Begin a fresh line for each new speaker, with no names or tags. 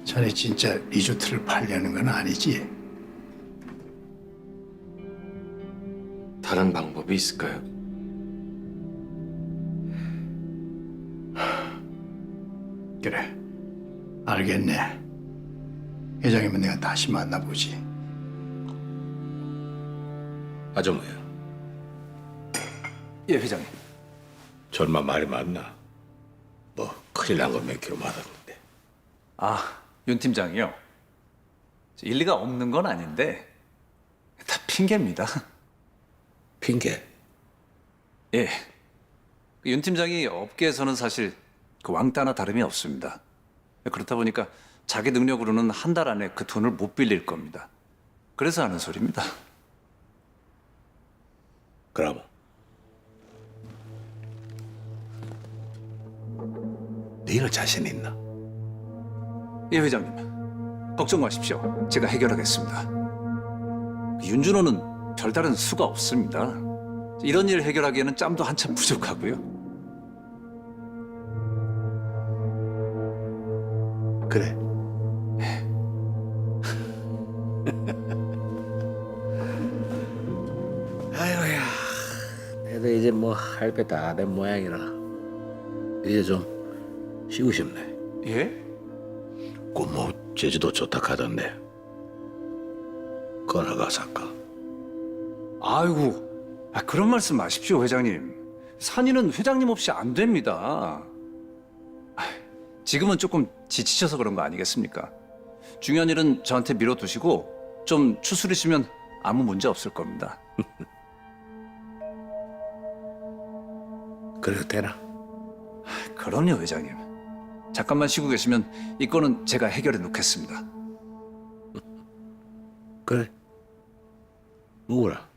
자네 진짜 리조트를 팔려는 건 아니지?
다른 방법이 있을까요?
그래, 알겠네. 회장이면 내가 다시 만나보지.
아정우야,
예, 회장님.
절마 말이 맞나? 뭐 큰일 난 거 몇 킬로 맞았는데.
아, 윤 팀장이요. 일리가 없는 건 아닌데 다 핑계입니다.
핑계?
예. 윤 팀장이 업계에서는 사실 그 왕따나 다름이 없습니다. 그렇다 보니까 자기 능력으로는 한 달 안에 그 돈을 못 빌릴 겁니다. 그래서 하는 소리입니다.
그럼 네가 자신 있나?
예, 회장님. 걱정 마십시오. 제가 해결하겠습니다. 윤준호는 별다른 수가 없습니다. 이런 일 해결하기에는 짬도 한참 부족하고요.
그래. 아이고야, 내도 이제 뭐 할 게 다 된 모양이라 이제 좀 쉬고 싶네.
예?
뭐 제주도 좋다 하던데 걸어가서 할까?
아이고, 그런 말씀 마십시오, 회장님. 산이는 회장님 없이 안 됩니다. 지금은 조금 지치셔서 그런 거 아니겠습니까? 중요한 일은 저한테 밀어두시고 좀 추스리시면 아무 문제 없을 겁니다.
그래도 되나?
그럼요, 회장님. 잠깐만 쉬고 계시면 이 건은 제가 해결해 놓겠습니다.
그래. 누구라?